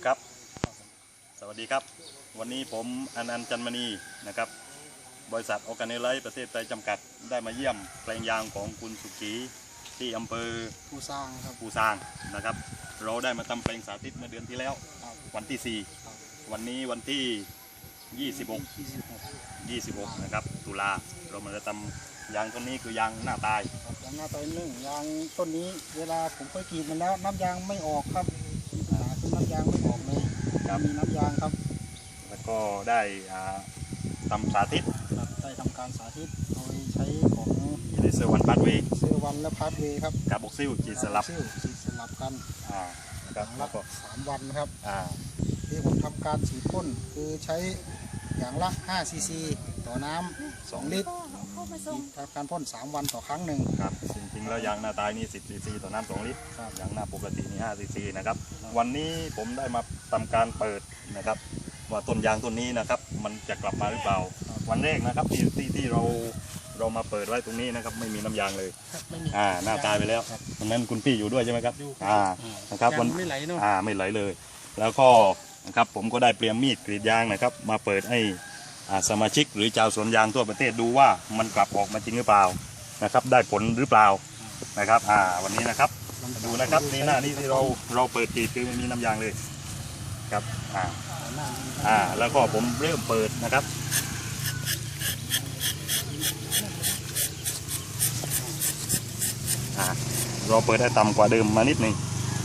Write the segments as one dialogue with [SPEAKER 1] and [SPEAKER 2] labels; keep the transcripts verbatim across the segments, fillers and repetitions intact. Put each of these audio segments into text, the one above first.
[SPEAKER 1] ครับสวัสดีครับวันนี้ผมอนันต์จันมณีนะครับบริษัทออร์แกเนไลท์ประเทศไทยจำกัดได้มาเยี่ยมแปลงยางของคุณสุขีที่อำเภอ
[SPEAKER 2] ภูซางครับ
[SPEAKER 1] ภูซางนะครับเราได้มาทำแปลงสาธิตเมื่อเดือนที่แล้ววันที่สี่วันนี้วันที่ยี่สิบหก ยี่สิบหกนะครับตุลาเรามาจะทำยางต้นนี้คือยางหน้าตาย
[SPEAKER 2] ยางหน้าตายนึ่งยางต้นนี้เวลาผมเคยกรีดมันแล้วน้ำยางไม่ออกครับปัญหาคือน้ำยางไม่ออกเลยมีน้ำยางครับ
[SPEAKER 1] แล้วก็ได้ทำสาธิต
[SPEAKER 2] ได้ทำการสาธิตโดยใช้ของ
[SPEAKER 1] เลเซอร์วันพาร์ทเวย์
[SPEAKER 2] เซอร์วันและพาร์ทเวย์ครับ
[SPEAKER 1] กับบ็อกซิลจีสลับ
[SPEAKER 2] จีสลับกัน
[SPEAKER 1] อ่า
[SPEAKER 2] นะครับแล้วก็สามวันครับ
[SPEAKER 1] อ่า
[SPEAKER 2] ที่ผมทำการฉีดพ่นคือใช้อย่างละห้าซีซีต่อน้ำสองลิตรทำการพ่นสามวันต่อครั้งหนึ่ง
[SPEAKER 1] ครับจริงๆแล้วยางหน้าตายนี่สิบซีซีต่อน้ำสองลิตรยางหน้าปกตินี่ห้าซีซีนะครับวันนี้ผมได้มาทำการเปิดนะครับว่าต้นยางต้นนี้นะครับมันจะกลับมาหรือเปล่าวันแรกนะครับที่ที่ที่เราเรามาเปิดไว้ตรงนี้นะครับไม่มีน้ำยางเลยอ่าหน้าตายไปแล้วตรงนั้นคุณพี่อยู่ด้วยใช่ไหมครับอ่านะครับวัน
[SPEAKER 2] ไม่ไหลเนาะ
[SPEAKER 1] อ่าไม่ไหลเลยแล้วก็นะครับผมก็ได้เตรียมมีดกรีดยางนะครับมาเปิดให้สมาชิกหรือชาวสวนยางทั่วประเทศดูว่ามันกลับออกมาจริงหรือเปล่านะครับได้ผลหรือเปล่านะครับอ่าวันนี้นะครับดูนะครับนี่หน้านี่ที่เราเราเปิดกรีดคือไม่มีน้ำยางเลยครับอ่าอ่าแล้วก็ผมเริ่มเปิดนะครับอ่าเราเปิดได้ต่ำกว่าเดิมมานิดนึง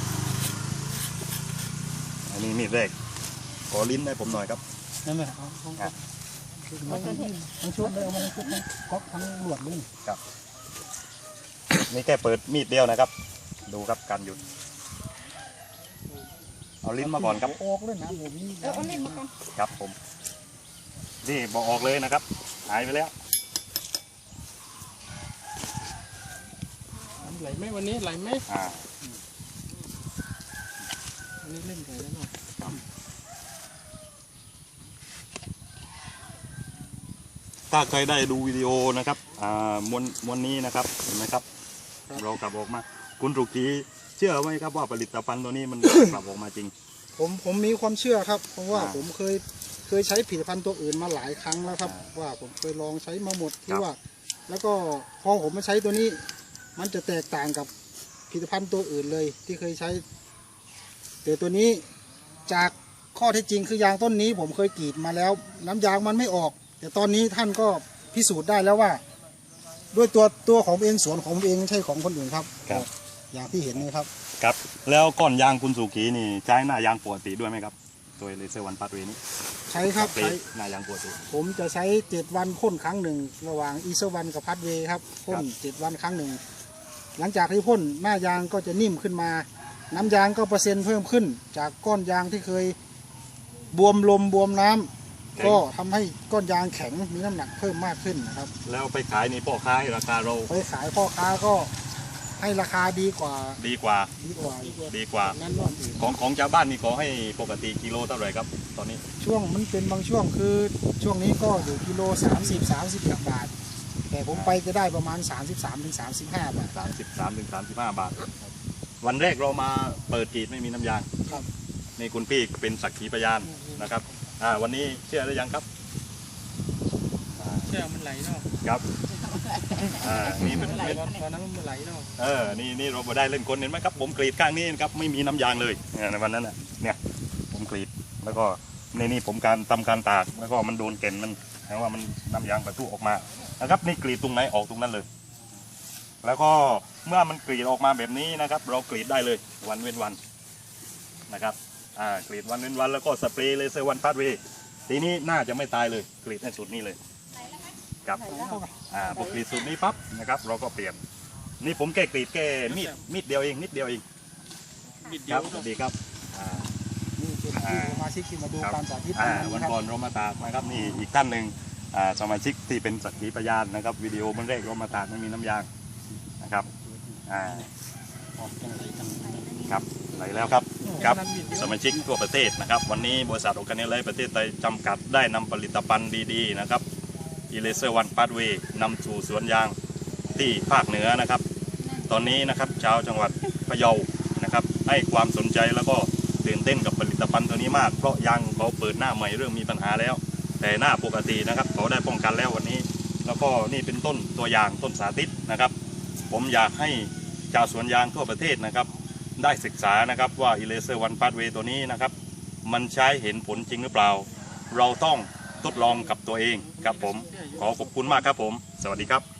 [SPEAKER 1] อันนี้มีดแรกขอลิ้นให้ผมหน่อยครับ
[SPEAKER 2] นั่นแหละมันมันชุดเลยมันชุดทั้งก๊อกทั้งหลวดเลย
[SPEAKER 1] ครับนี่แค่เปิดมีดเดียวนะครับดูครับการหยุดเอาลิ้นมาก่อนครับ
[SPEAKER 2] ออกเลยนะผมนี่เอาลิ้นมาก่อน
[SPEAKER 1] ครับผมนี่บอกออกเลยนะครับหายไปแล้ว
[SPEAKER 2] ไหลไหมวันนี้ไหลไหม
[SPEAKER 1] อ่า
[SPEAKER 2] อันนี้เล่นไหลแล้วเนาะ
[SPEAKER 1] ถ้าใครได้ดูวิดีโอนะครับอ่ามวนมวนนี้นะครับเห็นไหมครับเรากลับออกมาคุณสุขีเชื่อไหมครับว่าผลิตภัณฑ์ตัวนี้มันกลับออกมาจริง
[SPEAKER 2] ผมผมมีความเชื่อครับเพราะว่าผมเคยเคยใช้ผลิตภัณฑ์ตัวอื่นมาหลายครั้งแล้วครับว่าผมเคยลองใช้มาหมดที่ว่าแล้วก็พอผมมาใช้ตัวนี้มันจะแตกต่างกับผลิตภัณฑ์ตัวอื่นเลยที่เคยใช้แต่ตัวนี้จากข้อเท็จจริงคือยางต้นนี้ผมเคยกรีดมาแล้วน้ำยางมันไม่ออกแต่ตอนนี้ท่านก็พิสูจน์ได้แล้วว่าด้วยตัวตัวของเองสวนของเองไม่ใช่ของคนอื่นครับ
[SPEAKER 1] ครับ
[SPEAKER 2] อย่างที่เห็นนี่ครับ
[SPEAKER 1] ครับแล้วก้อนยางคุณสุขีนี่ใช้หน้ายางปกติด้วยไหมครับตัวเลเซอร์วันพาร์ทเวย์นี้
[SPEAKER 2] ใช้ครับใช้
[SPEAKER 1] หน้ายางปกติ
[SPEAKER 2] ผมจะใช้เจ็ดวันพ่นครั้งหนึ่งระหว่างอีเซอร์วันกับพาร์ทเวย์ครับพ่นเจ็ดวันครั้งหนึ่งหลังจากที่พ่นหน้ายางก็จะนิ่มขึ้นมาน้ำยางก็เปอร์เซ็นต์เพิ่มขึ้นจากก้อนยางที่เคยบวมลมบวมน้ำก็ทำให้ก้อนยางแข็งมีน้ำหนักเพิ่มมากขึ้นนะครับ
[SPEAKER 1] แล้วไปขายในพ่อค้าราคาเรา
[SPEAKER 2] ไปขายพ่อค้าก็ให้ราคาดีกว่า
[SPEAKER 1] ดีกว่า
[SPEAKER 2] ดีกว่า
[SPEAKER 1] ดีกว่าของของชาวบ้านนี่ขอให้ปกติกิโลเท่าไหร่ครับตอนนี้
[SPEAKER 2] ช่วงมันเป็นบางช่วงคือช่วงนี้ก็อยู่กิโลสามสิบ สามสิบบาทแต่ผมไปจะได้ประมาณสามสิบสามถึงสามสิบห้าบาท
[SPEAKER 1] สามสิบสามถึงสามสิบห้าบาทวันแรกเรามาเปิดกรีดไม่มีน้ำยาง
[SPEAKER 2] ครับ
[SPEAKER 1] นี่คุณพี่เป็นสักขีพยานนะครับอ่าวันนี้เชื่อหรือยังครับ
[SPEAKER 2] เชื่อมันไหลเนาะ
[SPEAKER 1] ครับอ่านี่
[SPEAKER 2] มันไหลตอนนั้นมันไหลเนาะ
[SPEAKER 1] เออนี่นี่เราได้เล่นคนเห็นไหมครับผมกรีดข้างนี้ครับไม่มีน้ำยางเลยในวันนั้นน่ะเนี่ยผมกรีดแล้วก็ในนี่ผมการทำการตากแล้วก็มันโดนเกล็ดมันแปลว่ามันน้ำยางประทุออกมานะครับนี่กรีดตรงไหนออกตรงนั้นเลยแล้วก็เมื่อมันกรีดออกมาแบบนี้นะครับเรากรีดได้เลยวันเว้นวันนะครับอ่ากรีดวันเว้นวันแล้วก็สเปรย์เลเซอร์วันพาร์ทเวย์ทีนี้น่าจะไม่ตายเลยกรีดในสุดนี้เลยครับอ่าพอกรีดสุดนี้ปั๊บนะครับเราก็เปลี่ยนนี่ผมแค่กรีดแค่มีดมีดเดียวเองนิดเดียวเองครับดีครับอ่า
[SPEAKER 2] นี่เป็นสมาชิกที่มาดูการสาธิต
[SPEAKER 1] วันก่อนเรามาตากนะครับนี่อีกท่านหนึ่งสมาชิกที่เป็นสักขีพยานนะครับวิดีโอมันแรกเรามาตากไม่มีน้ำยางนะครับอ่าครับไหลแล้วครับครับสมาชิกทั่วประเทศนะครับวันนี้บริษัทออร์แกเนไลท์ประเทศไทยจำกัดได้นำผลิตภัณฑ์ดีๆนะครับอีเลเซอร์วันพาร์ทเวย์นำสู่สวนยางที่ภาคเหนือนะครับตอนนี้นะครับชาวจังหวัดพะเยานะครับให้ความสนใจแล้วก็ตื่นเต้นกับผลิตภัณฑ์ตัวนี้มากเพราะยางเขาเปิดหน้าใหม่เริ่มมีปัญหาแล้ว แต่หน้าปกตินะครับเขาได้ป้องกันแล้ววันนี้ แล้วก็นี่เป็นต้นตัวอย่างต้นสาธิตนะครับผมอยากให้ชาวสวนยางทั่วประเทศนะครับได้ศึกษานะครับว่า Eraser One Pathway ตัวนี้นะครับมันใช้เห็นผลจริงหรือเปล่าเราต้องทดลองกับตัวเองครับผมขอขอบคุณมากครับผมสวัสดีครับ